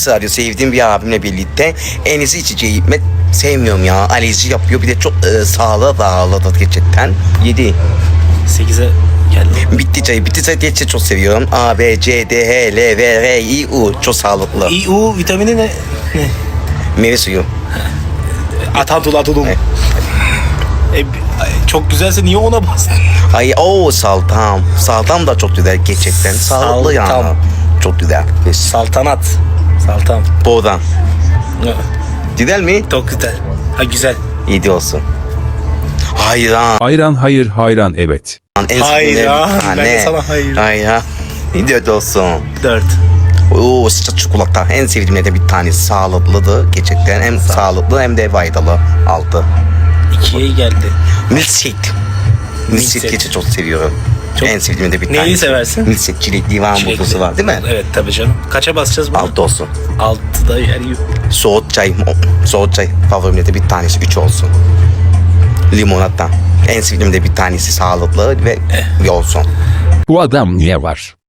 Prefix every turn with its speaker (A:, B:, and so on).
A: sadece sevdiğim bir abimle birlikte en iyisi içeceği içmek sevmiyorum ya. Alerji yapıyor. Bir de çok sağlığa bağlı da gerçekten. 7.
B: 8'e geldi.
A: Bitti çayı. Bitti çayı gerçekten çok seviyorum. A, B, C, D, H, L, V, R, I, U. Çok sağlıklı.
B: İU vitamini ne? Ne?
A: Meyve suyu.
B: Atantul atulum. Çok güzelse niye ona bastın?
A: Ay o saltam. Saltam da çok güzel gerçekten. Sağlıklı yani.
B: Saltam.
A: Çok güzel.
B: Saltanat. Saltam.
A: Buradan. Güzel mi?
B: Çok güzel. Ha güzel.
A: 7 olsun. Hayran.
C: Hayran hayır hayran evet.
A: En
B: Hayran.
A: sevdiğim bir tane.
B: Ben de sana hayır.
A: Hayran. 4 olsun.
B: 4.
A: Oo, sıcak çikolata. En sevdiğimlerden bir tanesi. Sağlıklıdır. Gerçekten hem sağlıklı hem de faydalı. 6.
B: 2'ye geldi.
A: Milkshake. Milkshake
B: Milkshake.
A: gerçekten çok seviyorum.
B: Çok-
A: En sevdiğimde bir tanesi.
B: Neyi seversin?
A: Milkshake. Çilekli var, muzlusu var değil mi?
B: Evet tabii canım. Kaça basacağız bunu?
A: 6 olsun.
B: 6'da yer yok.
A: Soğuk çay. Soğuk çay. Favorimde bir tanesi. 3 olsun. Limonata. En sevdiğimde bir tanesi sağlıklı ve olsun.
C: Bu adam niye var?